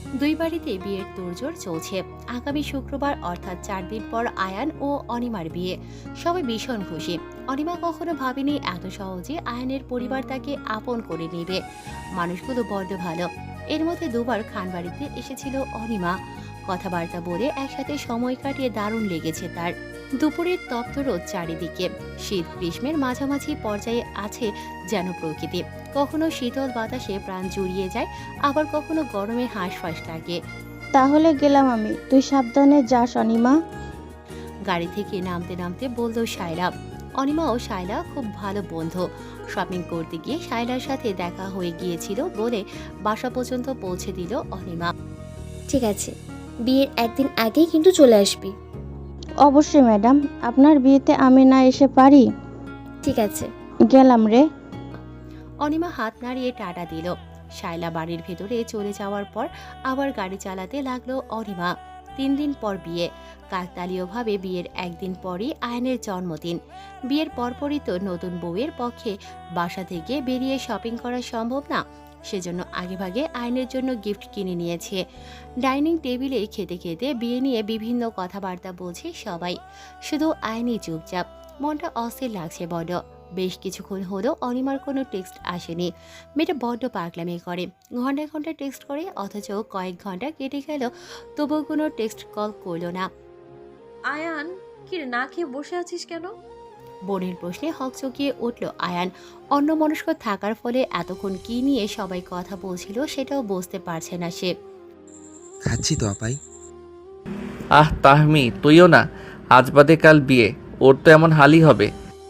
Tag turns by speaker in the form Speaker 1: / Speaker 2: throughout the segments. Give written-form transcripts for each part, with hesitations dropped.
Speaker 1: দুই বাড়িতে বিয়ের তোড়জোড় চলছে। আগামী শুক্রবার অর্থাৎ 4 দিন পর আয়ান ও অনিমার বিয়ে। সবাই ভীষণ খুশি। অনিমা কখনো ভাবেনি এত সহজে আয়ানের পরিবার তাকে আপন করে নেবে। মানুষগুলো বড্ড ভালো। এর মধ্যে দুবার খানবাড়িতে এসেছিল অনিমা। কথাবার্তা বলে একসাথে সময় কাটিয়ে দারুণ লেগেছে তার। দুপুরের তপ্ত রোদ চারিদিকে। শীত গ্রীষ্মের মাঝামাঝি পর্যায়ে আছে যেন প্রকৃতি। কখনো শীতল বাতাসে প্রাণ জুড়িয়ে যায়, আবার কখনো গরমে হাঁসফাঁস লাগে।
Speaker 2: তাহলে গেলাম আমি, তুই সাবধানে যাস অনিমা।
Speaker 1: গাড়ি থেকে নামতে নামতে বলল শায়লা। অনিমা ও শায়লা খুব ভালো বন্ধু। শপিং করতে গিয়ে শায়লার সাথে দেখা হয়ে গিয়েছিল বলে বাসা পর্যন্ত পৌঁছে দিল অনিমা।
Speaker 3: ঠিক আছে, বিয়ের একদিন আগেই কিন্তু চলে আসবি।
Speaker 2: অবশ্যই ম্যাডাম, আপনার বিয়েতে আমি না এসে পারি?
Speaker 3: ঠিক আছে।
Speaker 2: গেলাম রে।
Speaker 1: অনিমা হাত নাড়িয়ে টাটা দিল। শায়লা বাড়ির ভেতরে চলে যাওয়ার পর আবার গাড়ি চালাতে লাগলো অনিমা। 3 দিন পর বিয়ে। কাকতালীয়ভাবে বিয়ের একদিন পরই আয়নের জন্মদিন। বিয়ের পরপরই তো নতুন বউয়ের পক্ষে বাসা থেকে বেরিয়ে শপিং করা সম্ভব না। সেজন্য আগেভাগে আয়নের জন্য গিফট কিনে নিয়েছে। ডাইনিং টেবিলে খেতে খেতে বিয়ে নিয়ে বিভিন্ন কথাবার্তা বলছে সবাই। শুধু আয়নই চুপচাপ। মনটা অস্থির লাগছে বড়। বেশ কিছুক্ষণ হলো অনিমার কোনো টেক্সট আসেনি। মেয়েটা বড্ড পাগলামি করে। ঘন্টায় ঘন্টায় টেক্সট করে, অথচ কয়েক ঘন্টা কেটে গেল তবুও কোনো টেক্সট কল করলো না।
Speaker 4: আয়ান, কি রে, না খেয়ে বসে আছিস কেন?
Speaker 1: বোনের প্রশ্নে হকচকিয়ে উঠল আয়ান। অন্যমনস্ক থাকার ফলে এতক্ষণ কি নিয়ে সবাই কথা বলছিল সেটাও বুঝতে পারছে না সে।
Speaker 5: খাচ্ছি তো আপাই।
Speaker 6: তাহমি তুইও না, আজ বাদে কাল বিয়ে, ওর তো এমন হালই হবে।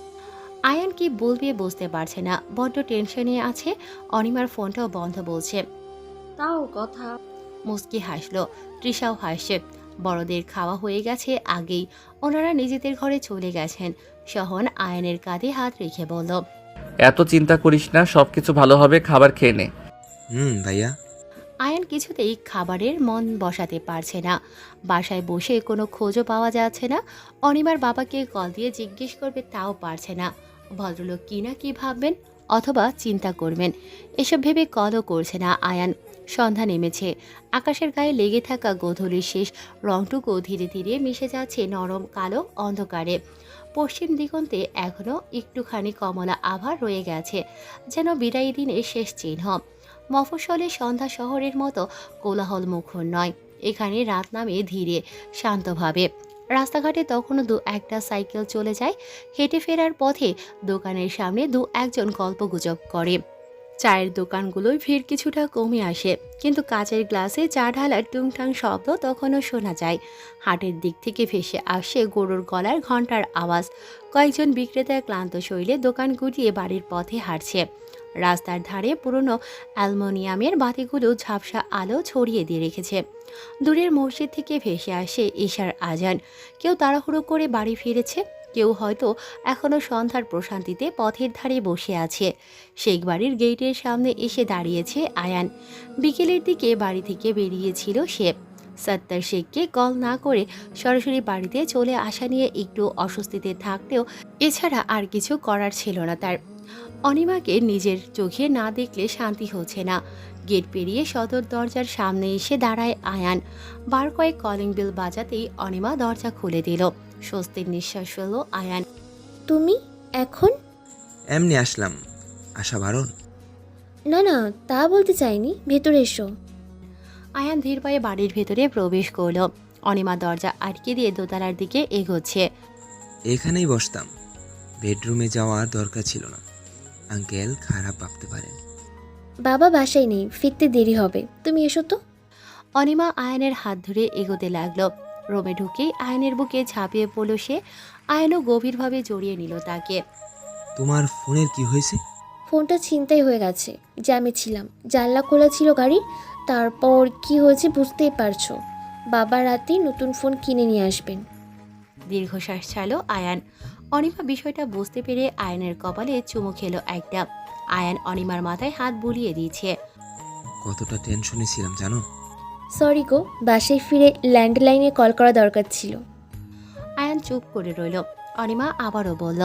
Speaker 1: আয়ান কি বলবে বুঝতে পারছে না, বড্ড টেনশনে আছে। অনিমার ফোনটাও বন্ধ বলছে।
Speaker 4: তাও কথা।
Speaker 1: মুস্কি হাসলো। তৃষাও হাসছে। বড়দের খাওয়া হয়ে গেছে আগেই। ওনারা নিজেদের ঘরে চলে গেছেন। সহন আয়নের কাঁধে হাত রেখে বলল,
Speaker 6: এত চিন্তা করিস না, সবকিছু ভালো হবে, খাবার খেয়ে নে।
Speaker 5: ভাইয়া।
Speaker 1: আয়ান কিছুতেই খাবারের মন বসাতে পারছে না। বাসায় বসে কোনো খোঁজও পাওয়া যাচ্ছে না। অনিমার বাবাকে কল দিয়ে জিজ্ঞেস করবে তাও পারছে না। ভদ্রলোক কি না কি ভাববেন, অথবা চিন্তা করবেন, এসব ভেবে কলও করছে না আয়ান। সন্ধ্যা নেমেছে। আকাশের গায়ে লেগে থাকা গোধূলির শেষ রংটুকু ধীরে ধীরে মিশে যাচ্ছে নরম কালো অন্ধকারে। পশ্চিম দিগন্তে এখনও একটুখানি কমলা আভা রয়ে গেছে, যেন বিদায়ী দিনের শেষ চিহ্ন। মফস্বলে সন্ধ্যা শহরের মতো কোলাহল মুখর নয়। এখানে রাত নামে ধীরে, শান্তভাবে। রাস্তাঘাটে তখনও দু একটা সাইকেল চলে যায়। হেঁটে ফেরার পথে দোকানের সামনে দু একজন গল্পগুজব করে। চায়ের দোকানগুলোয় ভিড় কিছুটা কমে আসে, কিন্তু কাচের গ্লাসে চা ঢালার টুংটাং শব্দ তখনও শোনা যায়। হাটের দিক থেকে ভেসে আসে গরুর গলার ঘণ্টার আওয়াজ। কয়েকজন বিক্রেতা ক্লান্ত শৈলে দোকান গুটিয়ে বাড়ির পথে হাঁটছে। রাস্তার ধারে পুরনো অ্যালুমিনিয়ামের বাতিগুলো ঝাপসা আলো ছড়িয়ে দিয়ে রেখেছে। দূরের মসজিদ থেকে ভেসে আসে ঈশার আজান। কেউ তাড়াহুড়ো করে বাড়ি ফিরেছে, কেউ হয়তো এখনও সন্ধ্যার প্রশান্তিতে পথের ধারে বসে আছে। শেখ বাড়ির গেটের সামনে এসে দাঁড়িয়েছে আয়ান। বিকেলের দিকে বাড়ি থেকে বেরিয়েছিল সে। সত্তার শেখকে কল না করে সরাসরি বাড়িতে চলে আসা নিয়ে একটু অস্বস্তিতে থাকলেও এছাড়া আর কিছু করার ছিল না তার। অনিমাকে নিজের চোখে না দেখলে শান্তি হচ্ছে না। গেট পেরিয়ে সদর দরজার সামনে এসে দাঁড়ায় আয়ান। বার কয়েক কলিং বেল বাজাতেই অনিমা দরজা খুলে দিল। স্বস্তির নিঃশ্বাস ফেলল আয়ান।
Speaker 3: তুমি এখন?
Speaker 5: এমনি আসলাম, আশা বারণ।
Speaker 3: না না, তা বলতে চাইনি, ভেতরে এসো।
Speaker 1: আয়ান ধীর পায়ে বাড়ির ভেতরে প্রবেশ করল। অনিমা দরজা আটকে দিয়ে দোতলার দিকে এগোচ্ছে।
Speaker 5: এখানেই বসতাম, বেডরুমে যাওয়ার দরকার ছিল না। আঙ্কেল খারাপ ভাবতে পারেন।
Speaker 3: বাবা বাসায় নেই, ফিরতে দেরি হবে, তুমি এসো তো।
Speaker 1: অনিমা আয়নের হাত ধরে এগোতে লাগলো। রুমে ঢুকেই আয়নের বুকে ঝাঁপিয়ে পড়ল সে। আয়নও গভীরভাবে জড়িয়ে নিল তাকে।
Speaker 5: তোমার ফোনের কি হয়েছে?
Speaker 3: ফোনটা ছিনতাই হয়ে গেছে, জ্যামে ছিলাম, জানলা খোলা ছিল গাড়ির। তারপর কি হয়েছে বুঝতেই পারছো। বাবা রাতেই নতুন ফোন কিনে নিয়ে আসবেন।
Speaker 1: দীর্ঘশ্বাস ছাড়ল আয়ান। অনিমা বিষয়টা বুঝতে পেরে আয়নের কপালে চুমু খেলো একটা। আয়ান অনিমার মাথায় হাত বুলিয়ে দিয়েছে।
Speaker 5: কতটা টেনশনে ছিলাম জানো?
Speaker 3: সরি গো, বাসায় ফিরে ল্যান্ডলাইনে কল করা দরকার ছিল।
Speaker 1: আয়ান চুপ করে রইল। অনিমা আবারও বলল,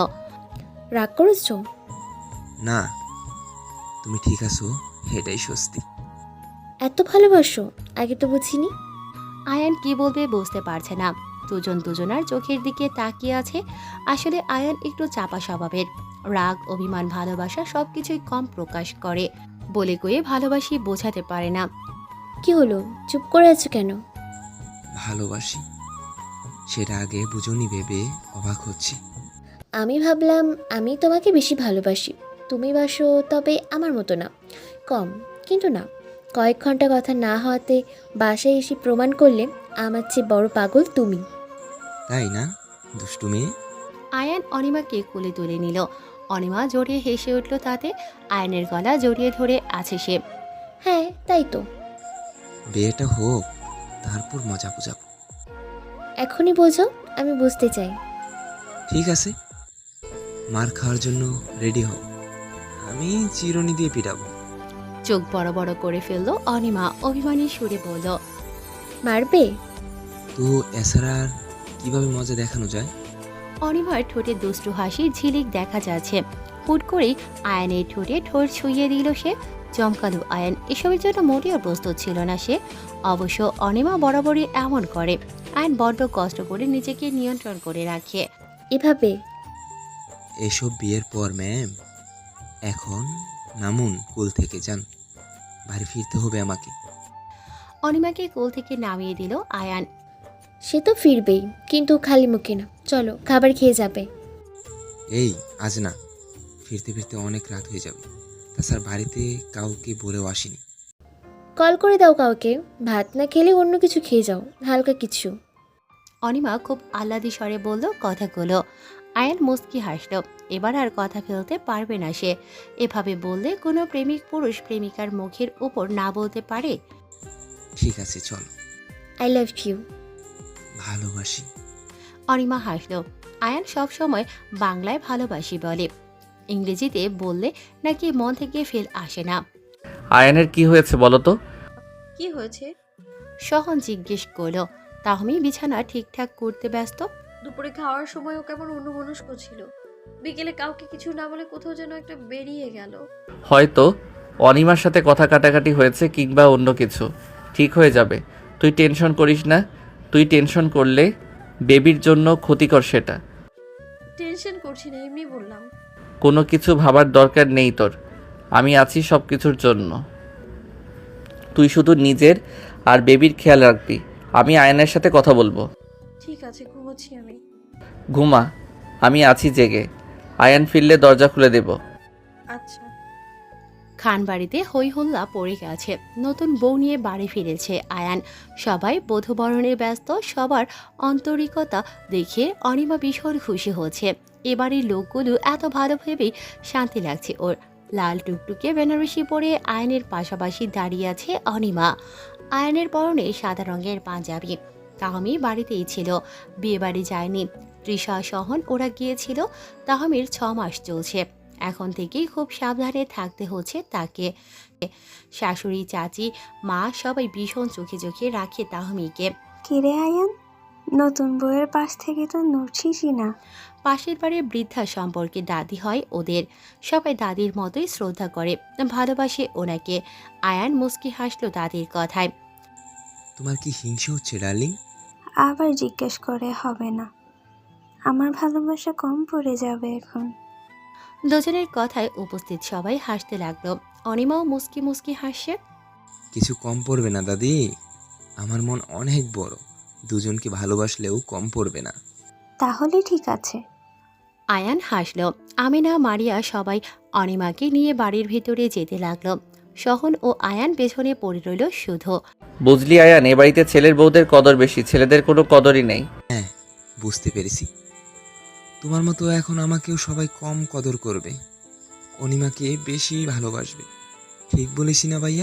Speaker 3: রাগ করেছো?
Speaker 5: না, তুমি ঠিক আছো, এটাই স্বস্তি।
Speaker 3: এত ভালোবাসো, আগে তো বুঝিনি।
Speaker 1: আয়ান কি বলবে বুঝতে পারছে না। দুজন দুজনার চোখের দিকে তাকিয়ে আছে। আসলে আয়ান একটু চাপা স্বভাবের। রাগ, অভিমান, ভালোবাসা সবকিছুই কম প্রকাশ করে। বলে কয়ে ভালোবাসি বোঝাতে পারে না।
Speaker 3: কি হলো, চুপ করে আছো কেন?
Speaker 5: ভালোবাসি, সেটা আগে বুঝুনি ভেবে অবাক হচ্ছি।
Speaker 3: আমি ভাবলাম আমি তোমাকে বেশি ভালোবাসি। তুমি বাসো, তবে আমার মতো না, কম। কিন্তু না, কয়েক ঘন্টা কথা না হওয়াতে বাসায় এসে প্রমাণ করলে আমার চেয়ে বড় পাগল তুমি।
Speaker 5: তাই না, দুষ্টু মেয়ে?
Speaker 1: আয়ান অনিমাকে কোলে তুলে নিল। অনিমা জড়িয়ে হেসে উঠল তাতে। আয়ানের গলা জড়িয়ে ধরে আছে সে।
Speaker 3: হ্যাঁ, তাই তো।
Speaker 5: বিয়েটা হোক, তারপর মজা বুঝাবো।
Speaker 3: এখনই বোঝো, আমি বুঝতে চাই।
Speaker 5: ঠিক আছে, মার খাওয়ার জন্য রেডি হও, আমি চিরুনি দিয়ে পিটাবো।
Speaker 1: চোখ বড় বড় করে ফেললো অনিমা, অভিমানী সুরে বলল,
Speaker 3: মারবে?
Speaker 5: তো এছাড়া আর কিভাবে মজা দেখানো যায়?
Speaker 1: অনিমার ঠোঁটে দুষ্টু হাসি ঝিলিক দেখা যাচ্ছে। হুট করেই আয়নের ঠোঁটে ঠোঁট ছুঁয়ে দিল সে। চমকালো আয়ন, এসবের জন্য মোটেও প্রস্তুত ছিল না সে। অবশ্য অনিমা বরাবরই এমন করে। আয়ন বড্ড কষ্ট করে নিজেকে নিয়ন্ত্রণ করে রাখে।
Speaker 3: এভাবে?
Speaker 5: এসব বিয়ের পর ম্যাম। এখন নামুন, কোল থেকে যান, বাড়ি ফিরতে হবে আমাকে।
Speaker 1: অনিমাকে কোল থেকে নামিয়ে দিল আয়ান।
Speaker 3: সে তো ফিরবেই, কিন্তু খালি মুখে না। চলো, খাবার খেয়ে যাবে।
Speaker 5: এই, আজ না, ফিরতে ফিরতে অনেক রাত হয়ে যাবে। তাছাড়া বাড়িতে কাউকে বলেও আসিনি।
Speaker 3: কল করে দাও কাউকে। ভাত না খেলে অন্য কিছু খেয়ে যাও, হালকা কিছু।
Speaker 1: অনিমা খুব আহ্লাদি স্বরে বলল কথাগুলো। আয়ান মুচকি হাসল। এবার আর কথা ফেলতে পারবে না সে। এভাবে বললে কোনো প্রেমিক পুরুষ প্রেমিকার মুখের উপর না বলতে পারে?
Speaker 5: ঠিক আছে, চলো।
Speaker 3: I love you.
Speaker 5: ভালোবাসি।
Speaker 1: অনিমা হাসল। আয়ান সব সময় বাংলায় ভালোবাসি বলে, ইংরেজিতে বললে নাকি মন থেকে ফেল আসে না।
Speaker 6: আয়ানের কি হয়েছে বলো তো?
Speaker 4: কি হয়েছে?
Speaker 1: সহন জিজ্ঞেস করলো। তাহমি বিছানা ঠিকঠাক করতে ব্যস্ত।
Speaker 4: দুপুরে খাওয়ার সময়ও কেমন অন্যমনস্ক ছিল। বিকেলে কাউকে কিছু না বলে কোথাও যেন একটা বেরিয়ে গেল।
Speaker 6: হয়তো অনিমার সাথে কথা কাটাকাটি হয়েছে, কিংবা অন্য কিছু। ঠিক হয়ে যাবে, তুই টেনশন করিস না। তুই টেনশন করলে বেবির জন্য ক্ষতিকর সেটা।
Speaker 4: টেনশন করছি না, এমনি বললাম।
Speaker 6: কোনো কিছু ভাবার দরকার নেই তোর, আমি আছি সব কিছুর জন্য। তুই শুধু নিজের আর বেবির খেয়াল রাখবি। আমি আয়নের সাথে কথা বলবো।
Speaker 4: ঠিক আছে, ঘুমোচ্ছি আমি।
Speaker 6: ঘুমা, আমি আছি জেগে। আয়ান ফিরলে দরজা খুলে দেব।
Speaker 4: আচ্ছা।
Speaker 1: খান বাড়িতে হই হল্লা পড়ে গেছে। নতুন বউ নিয়ে বাড়ি ফিরেছে আয়ান। সবাই বধূবরণে ব্যস্ত। সবার আন্তরিকতা দেখে অনিমা ভীষণ খুশি হচ্ছে। এবারের লোকগুলো এত ভালো ভেবেই শান্তি লাগছে ওর। লাল টুকটুকে বেনারসি পরে আয়নের পাশাপাশি দাঁড়িয়ে আছে অনিমা। আয়নের পরনে সাদা রঙের পাঞ্জাবি। তাহমি বাড়িতেই ছিল, বিয়ে বাড়ি যায়নি। তৃষা, সহন ওরা গিয়েছিল। তাহমির 6 মাস চলছে। এখন থেকেই খুব সাবধানে থাকতে হচ্ছে তাকে। শাশুড়ি, চাচি, মা সবাই ভীষণ চোখে চোখে রাখে তাহমিকে।
Speaker 7: কিরে আয়ান, নতুন বউয়ের পাশ থেকে তো নড়ছিসই না।
Speaker 1: পাশের বাড়ির বৃদ্ধা সম্পর্কে দাদি হয় ওদের। সবাই দাদির মতোই শ্রদ্ধা করে, ভালোবাসে ওনাকে। আয়ান মুস্কি হাসলো দাদির কথায়।
Speaker 5: তোমার কি হিংসে হচ্ছে ডার্লিং?
Speaker 7: আবার জিজ্ঞেস করে হবে না, আমার ভালোবাসা কম পড়ে যাবে এখন।
Speaker 1: দুজনের কথায় উপস্থিত সবাই হাসতে লাগলো। অনিমাও মুস্কি মুস্কি হাসছে।
Speaker 5: কিছু কম পড়বে না দাদি, আমার মন অনেক বড়, দুজনকে ভালোবাসলেও কম পড়বে না।
Speaker 7: তাহলে ঠিক আছে।
Speaker 1: আয়ান হাসলো। আমিনা, মারিয়া সবাই অনিমাকে নিয়ে বাড়ির ভিতরে যেতে লাগলো। সহন ও আয়ান পেছনে পড়ে রইল শুধু।
Speaker 6: বুঝলি আয়ান, এ বাড়িতে ছেলের বউদের কদর বেশি, ছেলেদের কোনো কদরই নেই।
Speaker 5: হ্যাঁ, বুঝতে পেরেছি। তোমার মতো এখন আমাকেও সবাই কম কদর করবে, অনিমাকে বেশি ভালোবাসবে। ঠিক বলেছি না ভাইয়া?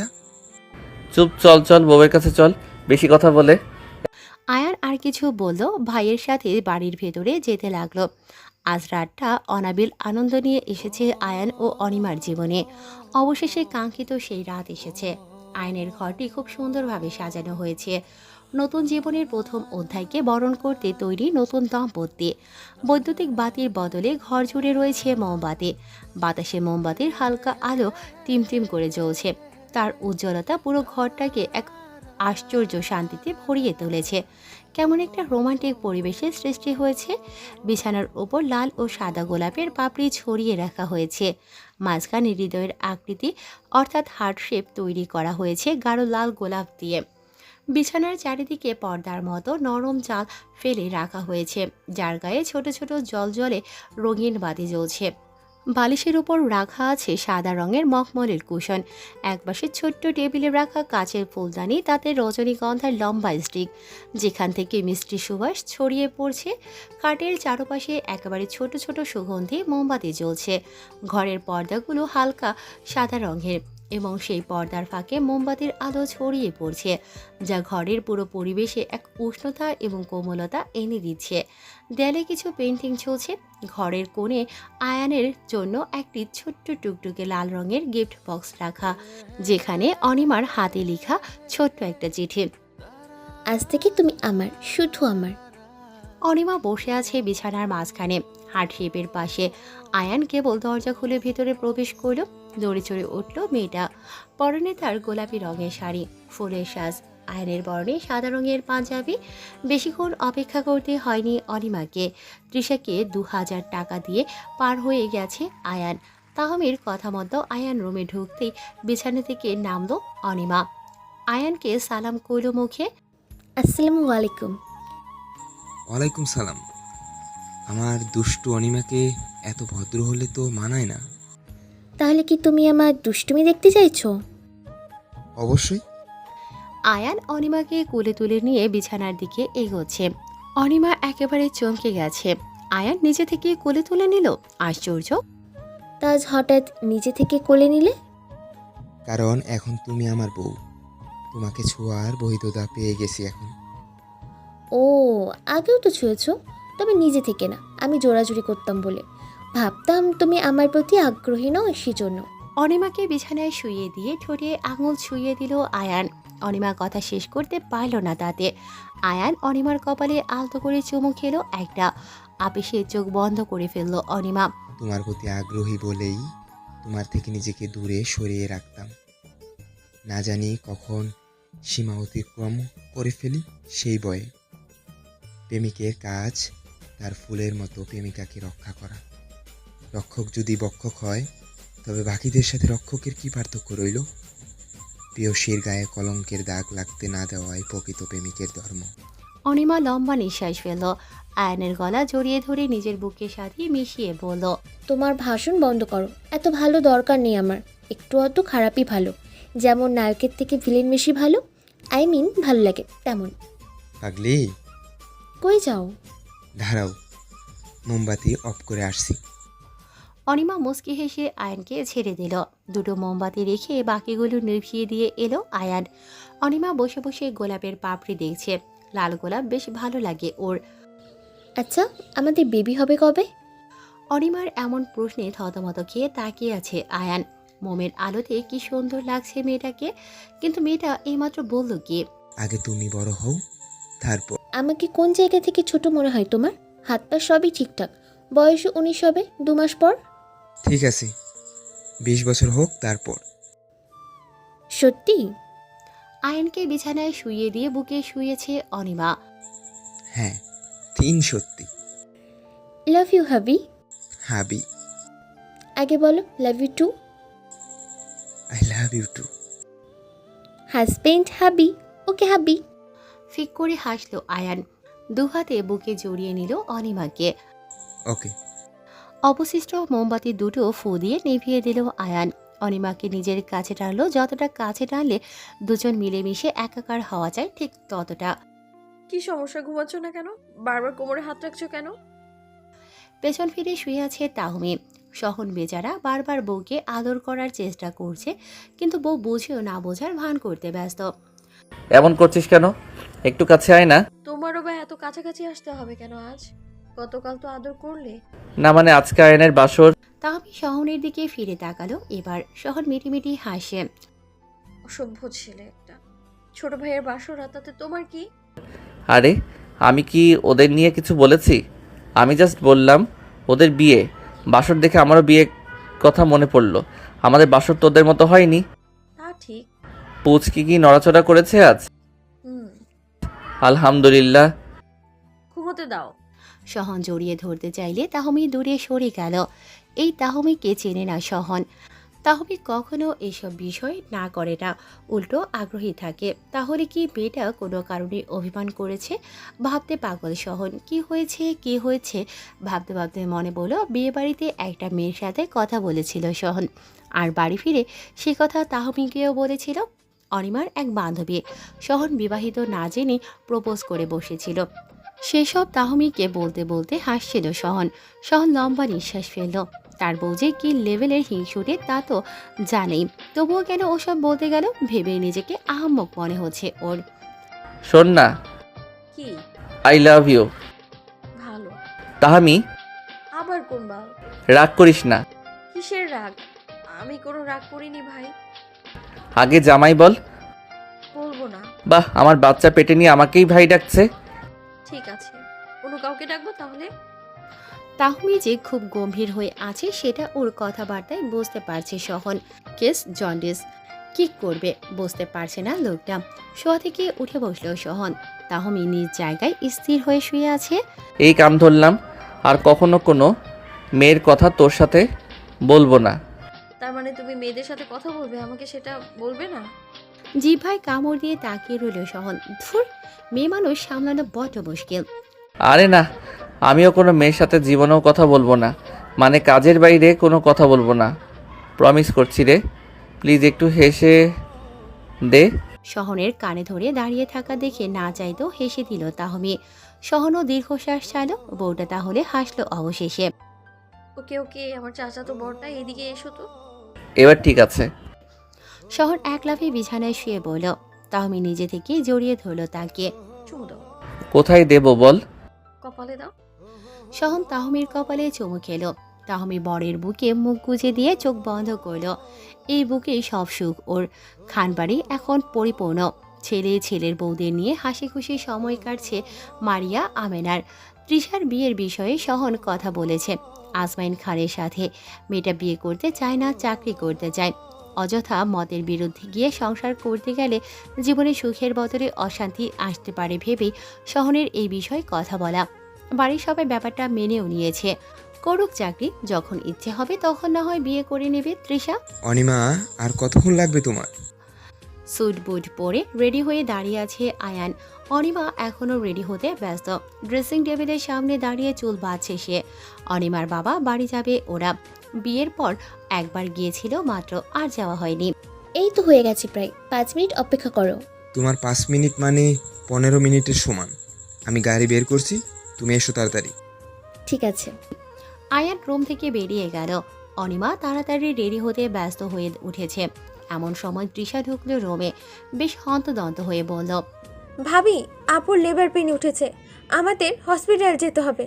Speaker 6: চুপ, চল চল, বউয়ের কাছে চল, বেশি কথা বলে।
Speaker 1: আয়ান আর কিছু বলল, ভাইয়ের সাথে বাড়ির ভেতরে যেতে লাগলো। আজ রাতটা অনাবিল আনন্দ নিয়ে এসেছে আয়ান ও অনিমার জীবনে। অবশেষে কাঙ্ক্ষিত সেই রাত এসেছে। আয়নের ঘরটি খুব সুন্দরভাবে সাজানো হয়েছে। নতুন জীবনের প্রথম অধ্যায়কে বরণ করতে তৈরি নতুন দম্পতি। বৈদ্যুতিক বাতির বদলে ঘর জুড়ে রয়েছে মোমবাতি। বাতাসে মোমবাতির হালকা আলো টিমটিম করে জ্বলছে। তার উজ্জ্বলতা পুরো ঘরটাকে এক আশ্চর্য শান্তিতে ভরিয়ে তুলেছে। কেমন একটা রোমান্টিক পরিবেশের সৃষ্টি হয়েছে। বিছানার ওপর লাল ও সাদা গোলাপের পাপড়ি ছড়িয়ে রাখা হয়েছে। মাঝখানে হৃদয়ের আকৃতি অর্থাৎ হার্ট শেপ তৈরি করা হয়েছে গাঢ় লাল গোলাপ দিয়ে। বিছানার চারিদিকে পর্দার মতো নরম জাল ফেলে রাখা হয়েছে, যার গায়ে ছোট ছোট জলজলে রঙিন বাতি জ্বলছে। বালিশের উপর রাখা আছে সাদা রঙের মখমলের কুশন। একপাশে ছোট্ট টেবিলে রাখা কাচের ফুলদানি, তাতে রজনীগন্ধার লম্বা স্টিক, যেখান থেকে মিষ্টি সুবাস ছড়িয়ে পড়ছে। কাঠের চারপাশে একেবারে ছোট ছোট সুগন্ধি মোমবাতি জ্বলছে। ঘরের পর্দাগুলো হালকা সাদা রঙের এবং সেই পর্দার ফাঁকে মোমবাতির আলো ছড়িয়ে পড়ছে, যা ঘরের পুরো পরিবেশে এক উষ্ণতা এবং কোমলতা এনে দিচ্ছে। দেয়ালে কিছু পেন্টিং চলছে। ঘরের কোণে আয়ানের জন্য একটি ছোট্ট টুকটুকে লাল রঙের গিফট বক্স রাখা, যেখানে অনিমার হাতে লেখা ছোট্ট একটা চিঠি।
Speaker 3: আজ থেকে তুমি আমার, শুধু আমার।
Speaker 1: অনিমা বসে আছে বিছানার মাঝখানে, হার্ট শেপের পাশে। আয়ান কেবল দরজা খুলে ভিতরে প্রবেশ করল। দৌড়ে চড়ে উঠল মেয়েটা। পরনে তার গোলাপি রঙের শাড়ি, ফুলের সাজ, আয়নের বরণে সাদা রঙের পাঞ্জাবি। বেশিক্ষণ অপেক্ষা করতে হয়নি অনিমাকে। তৃষাকে 2000 টাকা দিয়ে পার হয়ে গেছে আয়ান। তাহমির কথা মতো আয়ান রুমে ঢুকতেই বিছানা থেকে নামলো অনিমা। আয়ানকে সালাম করল মুখে।
Speaker 3: আসসালামু আলাইকুম।
Speaker 5: ওয়ালাইকুম সালাম। আমার দুষ্টু অনিমাকে এত ভদ্র হলে তো মানায় না।
Speaker 3: তাহলে কি তুমি আমার দুষ্টুমি দেখতে চাইছো?
Speaker 5: অবশ্যই।
Speaker 1: আয়ান অনিমাকে কোলে তুলে নিয়ে বিছানার দিকে এগোচ্ছে। অনিমা একেবারে চমকে গেছে। আয়ান নিজে থেকে কোলে তুলে নিল। আশ্চর্য।
Speaker 3: তাজ হঠাৎ নিজে থেকে কোলে নিলে?
Speaker 5: কারণ এখন তুমি আমার বউ। তোমাকে ছোঁয়ার বৈধতা পেয়ে গেছি এখন।
Speaker 3: ও, আগেও তো ছুঁয়েছো, তবে নিজে থেকে না, আমি জোরাজুরি করতাম বলে। ভাবতাম তুমি আমার প্রতি আগ্রহী নও, সেজন্য।
Speaker 1: অনিমাকে বিছানায় শুইয়ে দিয়ে ঠোঁটে আঙুল ছুঁয়ে দিল আয়ান। অনিমা কথা শেষ করতে পারল না তাতে। আয়ান অনিমার কপালে আলতো করে চুমু খেলো একটা। আপিসে চোখ বন্ধ করে ফেলল অনিমা।
Speaker 5: তোমার প্রতি আগ্রহী বলেই তোমার থেকে নিজেকে দূরে সরিয়ে রাখতাম। না জানি কখন সীমা অতিক্রম করে ফেলি সেই ভয়ে। প্রেমিকের কাজ তার ফুলের মতো প্রেমিকাকে রক্ষা করা। রক্ষক যদি বক্ষক হয়, তবে বাকিদের সাথে রক্ষকের কি পার্থক্য রইল? প্রিয়সীর গায়ে কলঙ্কের দাগ লাগতে না দেওয়াই প্রকৃত প্রেমিকের ধর্ম।
Speaker 1: অনিমা লম্বা নিঃশ্বাস ফেলল। আয়ানের গলা জড়িয়ে ধরে নিজের বুকের সাথে মিশিয়ে বলল,
Speaker 3: তোমার ভাষণ বন্ধ করো। এত ভালো দরকার নেই আমার। একটু অত খারাপই ভালো। যেমন নায়কের থেকে ভিলেন বেশি ভালো, আই মিন ভালো লাগে তেমন।
Speaker 5: পাগলি,
Speaker 3: কই যাও?
Speaker 5: দাঁড়াও, মোমবাতি অফ করে আসছি।
Speaker 1: অনিমা মুচকি হেসে আয়ানকে ছেড়ে দিল। দুটো মোমবাতি রেখে বাকিগুলো নিভিয়ে দিয়ে এলো আয়ান। অনিমা বসে বসে গোলাপের পাপড়ি দেখছে। লাল গোলাপ বেশ ভালো লাগে ওর।
Speaker 3: আচ্ছা, আমাদের বেবি হবে কবে?
Speaker 1: অনিমার এমন প্রশ্নে থতমত খেয়ে তাকিয়ে আছে আয়ান। মোমের আলোতে কি সুন্দর লাগছে মেয়েটাকে, কিন্তু মেয়েটা এইমাত্র বলল কি?
Speaker 5: আগে তুমি বড় হও, তারপর।
Speaker 3: আমাকে কোন জায়গা থেকে ছোট মনে হয় তোমার? হাত পা সবই ঠিকঠাক। বয়স 19 হবে 2 মাস পর।
Speaker 5: ঠিক আছে, 20 বছর হোক তারপর।
Speaker 3: সত্যি?
Speaker 1: আয়ানকে বিছানায় শুইয়ে দিয়ে বুকে শুয়েছে অনিমা।
Speaker 5: হ্যাঁ, 3 সত্যি।
Speaker 3: লাভ ইউ হাবি।
Speaker 5: হাবি।
Speaker 3: আগে বলো love you too.
Speaker 5: I love you too.
Speaker 3: Husband hubby. Okay হাবি।
Speaker 1: ফিক করে হাসলো আয়ান। দুহাতে বুকে জড়িয়ে নিল অনিমাকে।
Speaker 5: ওকে।
Speaker 1: অবশিষ্ট মোমবাতি দুটো ফু দিয়ে নিভিয়ে দিল আয়ান। অনিমাকে নিজের কাছে টানলো। যতটা কাছে টানলে দুজন মিলেমিশে একাকার হওয়া যায়, ঠিক ততটা।
Speaker 4: কি সমস্যা, ঘুমাচ্ছ না কেন? বারবার কোমরে হাত রাখছো কেন?
Speaker 1: পেছন ফিরে শুয়ে আছে তাহমি। সহন বেচারা বারবার বউকে আদর করার চেষ্টা করছে, কিন্তু বউ বুঝেও না বোঝার ভান করতে ব্যস্ত।
Speaker 6: এমন করছিস কেন? একটু কাছে আয় না।
Speaker 4: তোমারও বা এত কাছাকাছি আসতে হবে কেন আজ? গতকাল তো আদর করলে।
Speaker 6: না মানে আজকে আয়নের বাসর।
Speaker 1: তাহমি সহনের দিকে ফিরে তাকালো। এবার সহন মিটিমিটি হাসে।
Speaker 4: অসভ্য ছেলে একটা। ছোট ভাইয়ের বাসর, তাতে তোমার কি?
Speaker 6: আরে আমি কি ওদের নিয়ে কিছু বলেছি? আমি জাস্ট বললাম ওদের বিয়ে। বাসর দেখে আমারও বিয়ে কথা মনে পড়লো। আমাদের বাসর তোদের মতো হয়নি।
Speaker 4: তা ঠিক।
Speaker 6: পুচকি কি নড়াচড়া করেছে আজ?
Speaker 4: হুম।
Speaker 6: আলহামদুলিল্লাহ।
Speaker 4: ঘুমোতে দাও।
Speaker 1: সহন জড়িয়ে ধরতে চাইলে তাহমি দূরে সরে গেল। এই তাহমিকে চেনে না সহন। তাহমি কখনো এসব বিষয় না করে না, উল্টো আগ্রহী থাকে। তাহলে কি মেয়েটা কোনো কারণে অভিমান করেছে? ভাবতে পাগল সহন। কি হয়েছে কি হয়েছে ভাবতে ভাবতে মনে বলো বিয়েবাড়িতে একটা মেয়ের সাথে কথা বলেছিল সহন, আর বাড়ি ফিরে সে কথা তাহমিকেও বলেছিল। অনিমার এক বান্ধবী সহন বিবাহিত না জেনে প্রপোজ করে বসেছিল। সেসব তাহমিকে বলতে বলতে হাসছিল সহন। সহন লম্বা নিঃশ্বাস ফেলল। তার বউ যে কি লেভেলের হিংসুটে তা তো জানেই, তবুও কেন ওসব বলতে গেল ভেবে নিজেকে আহাম্মক মনে হচ্ছে ওর।
Speaker 6: শোন না,
Speaker 4: কি?
Speaker 6: I love you.
Speaker 4: ভালো।
Speaker 6: তাহামি,
Speaker 4: আবার কোন বাল?
Speaker 6: রাগ করিস না।
Speaker 4: কিসের রাগ? আমি কোনো রাগ করিনি ভাই।
Speaker 6: আগে জামাই বল।
Speaker 4: বলবো না।
Speaker 6: বাহ, আমার বাচ্চা পেটে নিয়ে আমাকেই ভাই ডাকছে।
Speaker 4: ঠিক আছে, অন্য কাউকে ডাকবো তাহলে?
Speaker 1: তাহমি যে খুব গম্ভীর হয়ে আছে সেটা ওর কথাবার্তায় বুঝতে পারছে সহন। Case jaundice. কি করবে বুঝতে পারছে না লোকটা। শোয়া থেকে উঠে বসলো সহন। তাহমি নিজ জায়গায় স্থির হয়ে শুয়ে আছে।
Speaker 6: এই কাম ধরলাম, আর কখনো কোনো মেয়ের কথা তোর সাথে বলবো না।
Speaker 4: তার মানে তুমি মেয়েদের সাথে কথা বলবে, আমাকে সেটা বলবে না?
Speaker 1: জিভায় কামড় দিয়ে তাকিয়ে রইল সহন। ধুর, মেয়ে মানুষ সামলানো বড্ড মুশকিল।
Speaker 6: আরে না, আমিও কোনো মেয়ের সাথে জীবনেও কথা বলবো না, মানে কাজের বাইরে কোনো কথা বলবো না। প্রমিস করছি রে, প্লিজ একটু হেসে দে।
Speaker 1: সহনের কানে ধরে দাঁড়িয়ে থাকা দেখে না চাইতেও হেসে দিল তাহমি। সহনও দীর্ঘশ্বাস ছাড়ল। বউটা তাহলে হাসলো অবশেষে।
Speaker 4: ওকে ওকে, আমার চাচাতো বড়টা এদিকে এসো তো।
Speaker 6: এবার ঠিক আছে।
Speaker 1: সহন এক লাফে বিছানায় শুয়ে বলল। তাহমি নিজে থেকে জড়িয়ে ধরল তাকে।
Speaker 4: চুমু দাও।
Speaker 6: কোথায় দেব বল?
Speaker 4: কপালে দাও।
Speaker 1: সহন তাহমির কপালে চুমু খেল। তাহমি বরের বুকে মুখ গুজে দিয়ে চোখ বন্ধ করল। এই বুকে সব সুখ ওর। খানবাড়ি এখন পরিপূর্ণ। ছেলে ছেলের বউদের নিয়ে হাসি খুশি সময় কাটছে মারিয়া আমেনার। তৃষার বিয়ের বিষয়ে সহন কথা বলেছে আজমাইন খানের সাথে। মেয়েটা বিয়ে করতে চায় না, চাকরি করতে চায়। অযথা মতের বিরুদ্ধে গিয়ে সংসার করতে গেলে জীবনে সুখের বদলে অশান্তি আসতে পারে ভেবেই সহনের এই বিষয়ে কথা বলা। বাড়ির সবাই ব্যাপারটা মেনেও নিয়েছে। করুক চাকরি, যখন ইচ্ছে হবে তখন না হয় বিয়ে করে নেবে তৃষা।
Speaker 5: অনিমা, আর কতক্ষণ লাগবে তোমার?
Speaker 1: স্যুট বুট পরে রেডি হয়ে দাঁড়িয়ে আছে আয়ান। অনিমা এখনও রেডি হতে ব্যস্ত। ড্রেসিং টেবিলের সামনে দাঁড়িয়ে চুল বাঁধছে সে। অনিমার বাবা বাড়ি যাবে ওরা। বিয়ের পর একবার গিয়েছিল মাত্র, আর যাওয়া হয়নি।
Speaker 3: এই তো হয়ে গেছে, প্রায় 5 মিনিট অপেক্ষা করো।
Speaker 5: তোমার 5 মিনিট মানে 15 মিনিটের সমান। আমি গাড়ি বের করছি, তুমি এসো তাড়াতাড়ি।
Speaker 3: ঠিক আছে।
Speaker 1: আয়ান রুম থেকে বেরিয়ে গেল। অনিমা তাড়াতাড়ি রেডি হতে ব্যস্ত হয়ে উঠেছে। এমন সময় তৃষা ঢুকলো রুমে। বেশ হন্তদন্ত হয়ে বলল,
Speaker 8: ভাবি, আপুর লেবার পেন উঠেছে, আমাদের হসপিটাল যেতে হবে।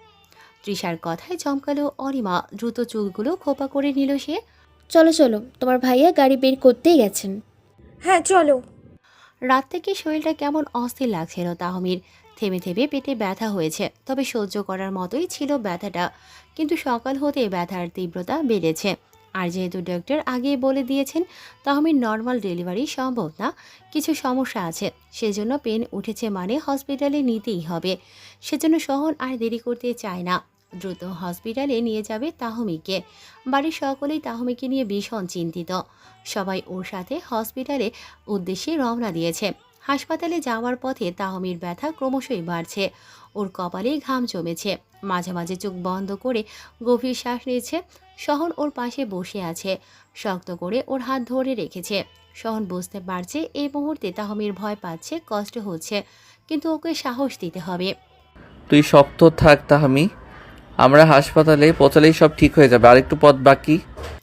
Speaker 1: তৃষার কথায় চমকালো অনিমা। দ্রুত চুলগুলো খোপা করে নিল সে।
Speaker 3: চলো চলো, তোমার ভাইয়া গাড়ি বের করতেই গেছেন।
Speaker 8: হ্যাঁ চলো।
Speaker 1: রাত থেকে শরীরটা কেমন অস্থির লাগছিল তাহমির। থেমে থেমে পেটে ব্যথা হয়েছে, তবে সহ্য করার মতোই ছিল ব্যথাটা। কিন্তু সকাল হতে ব্যথার তীব্রতা বেড়েছে। আর যেহেতু ডক্টর আগেই বলে দিয়েছেন তাহমির নর্মাল ডেলিভারি সম্ভব না, কিছু সমস্যা আছে, সেজন্য পেন উঠেছে মানে হসপিটালে নিতেই হবে। সেজন্য সহন আর দেরি করতে চায় না। দ্রুত হসপিটালে নিয়ে যাবে তাহমিকে। বাড়ির সকলেই তাহমিকে নিয়ে ভীষণ চিন্তিত। সবাই ওর সাথে হসপিটালে উদ্দেশ্যে রওনা দিয়েছে। হাসপাতালে যাওয়ার পথে তাহমির ব্যথা ক্রমশই বাড়ছে। ওর কপালেই ঘাম জমেছে। মাঝে মাঝে চোখ বন্ধ করে গভীর শ্বাস নিয়েছে। সহন ওর পাশে বসে আছে, শক্ত করে ওর হাত ধরে রেখেছে। সহন বুঝতে পারছে এই মুহূর্তে তাহমির ভয় পাচ্ছে, কষ্ট হচ্ছে, কিন্তু ওকে সাহস দিতে হবে।
Speaker 6: তুই শক্ত থাক তাহামি, আমরা হাসপাতালে পৌঁছালেই সব ঠিক হয়ে যাবে, আরেকটু পথ বাকি।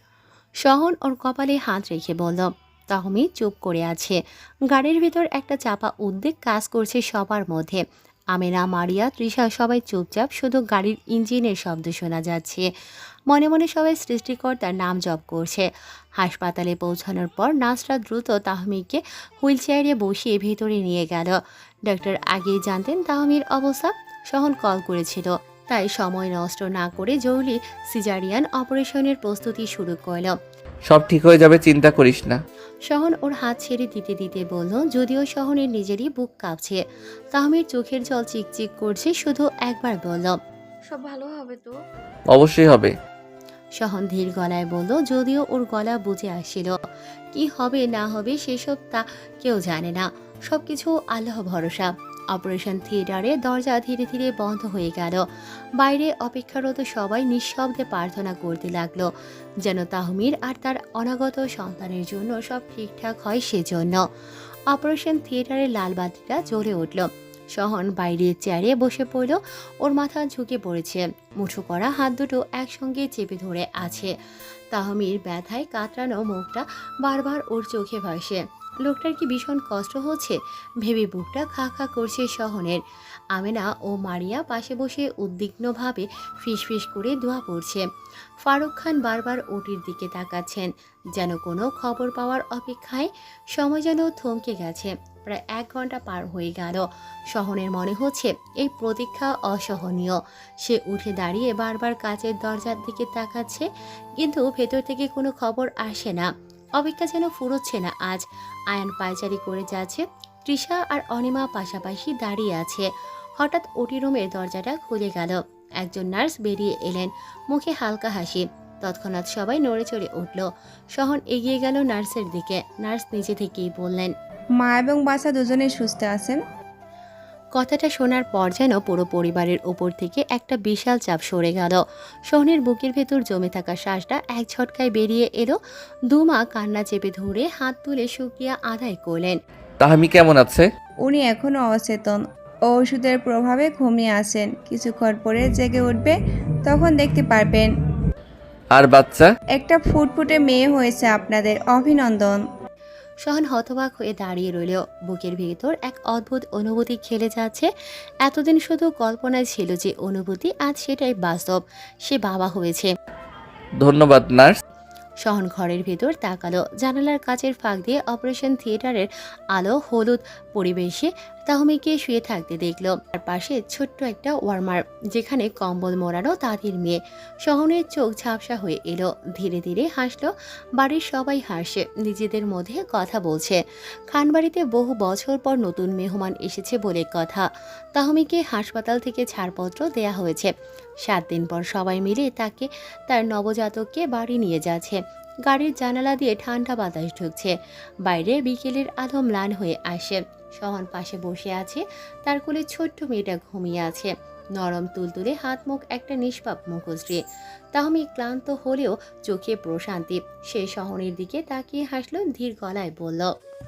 Speaker 1: সহন ওর কপালে হাত রেখে বলল। তাহমি চুপ করে আছে। গাড়ির ভেতর একটা চাপা উদ্বেগ কাজ করছে সবার মধ্যে। আমেনা, মারিয়া, তৃষা সবাই চুপচাপ, শুধু গাড়ির ইঞ্জিনের শব্দ শোনা যাচ্ছে। মনে মনে সবাই সৃষ্টিকর্তার নাম জপ করছে। হাসপাতালে পৌঁছানোর পর নার্সরা দ্রুত তাহমিকে হুইল চেয়ারে বসিয়ে ভেতরে নিয়ে গেল। ডক্টর আগেই জানতেন তাহমির অবস্থা। সহন কল করেছিল, তাই সময় নষ্ট না করে জরুরি সিজারিয়ান অপারেশনের প্রস্তুতি শুরু করল।
Speaker 6: সব ঠিক হয়ে যাবে, চিন্তা করিস না।
Speaker 1: সহন ওর হাত ছেড়ে দিতে দিতে বলল, যদিও সহনের নিজেরই বুক কাঁপছে। তাহমির চোখের জল চিকচিক করছে, শুধু একবার বলল,
Speaker 4: সব ভালো হবে তো?
Speaker 6: অবশ্যই হবে।
Speaker 1: সহন ধীর গলায় বলল, যদিও ওর গলা বুঝে আসছিল কি হবে না হবে সেসব তা কেউ জানে না, সবকিছু আল্লাহ ভরসা। অপারেশন থিয়েটারে দরজা ধীরে ধীরে বন্ধ হয়ে গেল। বাইরে অপেক্ষারত সবাই নিঃশব্দে প্রার্থনা করতে লাগলো, যেন তাহমির আর তার অনাগত সন্তানের জন্য সব ঠিকঠাক হয় সেজন্য। অপারেশন থিয়েটারের লাল বাতিটা জ্বলে উঠল। সহন বাইরের চেয়ারে বসে পড়ল, ওর মাথা ঝুঁকে পড়েছে, মুঠো করা হাত দুটো একসঙ্গে চেপে ধরে আছে। তাহমির ব্যথায় কাতরানো মুখটা বারবার ওর চোখে ভাসে। লোকটার কি ভীষণ কষ্ট হচ্ছে ভেবে বুকটা খা খা করছে সহনের। আমেনা ও মারিয়া পাশে বসে উদ্বিগ্নভাবে ফিসফিস করে দোয়া পড়ছে। ফারুক খান বারবার ওটির দিকে তাকাচ্ছেন, যেন কোনো খবর পাওয়ার অপেক্ষায়। সময় যেন থমকে গেছে। প্রায় 1 ঘন্টা পার হয়ে গেল। সহনের মনে হচ্ছে এই প্রতীক্ষা অসহনীয়। সে উঠে দাঁড়িয়ে বারবার কাচের দরজার দিকে তাকাচ্ছে, কিন্তু ভেতর থেকে কোনো খবর আসে না। অপেক্ষা যেন ফুরোচ্ছে না আজ। আয়ান পায়চারি করে যাচ্ছে, তৃষা আর অনিমা পাশাপাশি দাঁড়িয়ে আছে। হঠাৎ ওটি রুমের দরজাটা খুলে গেল। একজন নার্স বেরিয়ে এলেন, মুখে হালকা হাসি। তৎক্ষণাৎ সবাই নড়ে চড়ে উঠল। সহন এগিয়ে গেল নার্সের দিকে। নার্স নিজে থেকেই বললেন,
Speaker 9: মা এবং বাচ্চা দুজনেই সুস্থ আছেন।
Speaker 1: কথাটা শোনার পর যেন পুরো পরিবারের ওপর থেকে একটা বিশাল চাপ সরে গেল। সোহনের বুকের ভেতর জমে থাকা শ্বাসটা এক ঝটকায় বেরিয়ে এলো। দুমা কান্না চেপে ধরে হাত তুলে শুকরিয়া আদায় করলেন।
Speaker 6: তাহমি কেমন আছে?
Speaker 9: উনি এখনো অচেতন, ওষুধের প্রভাবে ঘুমিয়ে আছেন। কিছুক্ষণ পরে জেগে উঠবে, তখন দেখতে পারবেন।
Speaker 6: আর বাচ্চা?
Speaker 9: একটা ফুটফুটে মেয়ে হয়েছে আপনাদের, অভিনন্দন।
Speaker 1: সহন হতবাক হয়ে দাঁড়িয়ে রইল। বুকের ভেতর এক অদ্ভুত অনুভূতি খেলে যাচ্ছে। এতদিন শুধু কল্পনায় ছিল যে অনুভূতি, আজ সেটাই বাস্তব। সে বাবা হয়েছে।
Speaker 6: ধন্যবাদ নার্স।
Speaker 1: সহন ঘরের ভেতর তাকালো। জানালার কাচের ফাঁক দিয়ে অপারেশন থিয়েটারের আলো হলুদ পরিবেশে তাহমিকে শুয়ে থাকতে দেখল। তার পাশে ছোট্ট একটা ওয়ার্মার, যেখানে কম্বল মোড়ানো তাদের মেয়ে। সহনের চোখ ঝাপসা হয়ে এলো। ধীরে ধীরে হাসলো। বাড়ির সবাই হাসে, নিজেদের মধ্যে কথা বলছে। খানবাড়িতে বহু বছর পর নতুন মেহমান এসেছে বলে কথা। তাহমিকে হাসপাতাল থেকে ছাড়পত্র দেয়া হয়েছে। 7 দিন পর সবাই মিলে তাকে তার নবজাতককে বাড়ি নিয়ে যাচ্ছে। গাড়ির জানালা দিয়ে ঠান্ডা বাতাস ঢুকছে। বাইরে বিকেলের আলো ম্লান হয়ে আসে। সহন পাশে বসে আছে, তার কোলে ছোট্ট মেয়েটা ঘুমিয়ে আছে। নরম তুলতুলে হাত মুখ, একটা নিষ্পাপ মুখশ্রী। তাহমি ক্লান্ত হলেও চোখে প্রশান্তি। সে সহনের দিকে তাকিয়ে হাসলো, ধীর গলায় বলল,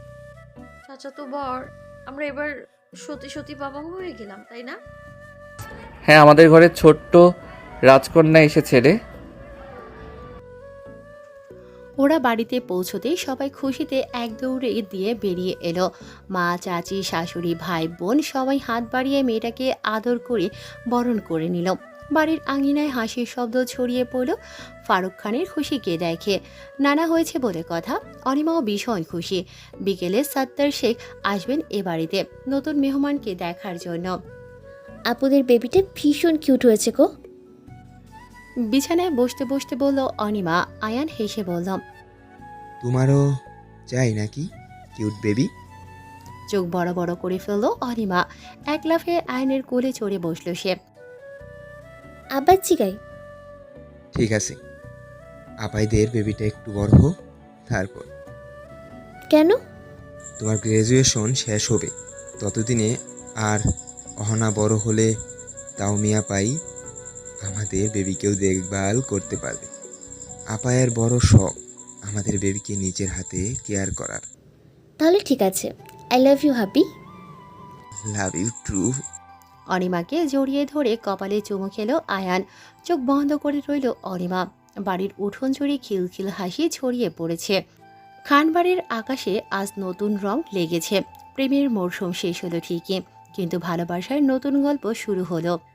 Speaker 4: চাচাতো বর, আমরা এবার সত্যি সত্যি বাবা হয়ে গেলাম, তাই না?
Speaker 6: হ্যাঁ, আমাদের ঘরে ছোট্ট রাজকন্যা এসেছে রে।
Speaker 1: ওরা বাড়িতে পৌঁছতেই সবাই খুশিতে এক দৌড়ে দিয়ে বেরিয়ে এলো। মা, চাচি, শাশুড়ি, ভাই, বোন সবাই হাত বাড়িয়ে মেয়েটাকে আদর করে বরণ করে নিল। বাড়ির আঙিনায় হাসির শব্দ ছড়িয়ে পড়ল। ফারুক খানের খুশিকে দেখে। নানা হয়েছে বলে কথা। অনিমাও ভীষণ খুশি। বিকেলে সত্তার শেখ আসবেন এ বাড়িতে নতুন মেহমানকে দেখার জন্য।
Speaker 3: আপুদের বেবিটা ভীষণ কিউট হয়েছে গো।
Speaker 1: বিছানায় বসতে বসতে বলল অনিমা। আয়ান হেসে বলল,
Speaker 5: তোমারও চাই নাকি কিউট বেবি?
Speaker 1: চোখ বড় বড় করে ফেলল অনিমা। এক লাফে আয়নের কোলে চড়ে বসল সে।
Speaker 3: আবার জিগাই।
Speaker 5: ঠিক আছে, আপাইদের বেবিটা একটু বড় হোক, তারপর।
Speaker 3: কেন?
Speaker 5: তোমার গ্র্যাজুয়েশন শেষ হবে, ততদিনে। আর অহনা বড় হলে তাও মিয়া পাই আমাদের বেবিকেও দেখভাল করতে পারবে। আপায়ের বড় শখ আমাদের বেবিকে নিজের হাতে কেয়ার করার।
Speaker 3: তাহলে ঠিক আছে, আই লাভ ইউ হাবি।
Speaker 5: লাভ ইউ টু।
Speaker 1: অনিমাকে জড়িয়ে ধরে কপালে চুমু খেলো আয়ান। চোখ বন্ধ করে রইল অনিমা। বাড়ির উঠোন জুড়ে খিলখিল হাসি ছড়িয়ে পড়েছে। খানবাড়ির আকাশে আজ নতুন রং লেগেছে। প্রেমের মরশুম শেষ হলো ঠিকই, কিন্তু ভালোবাসার নতুন গল্প শুরু হলো।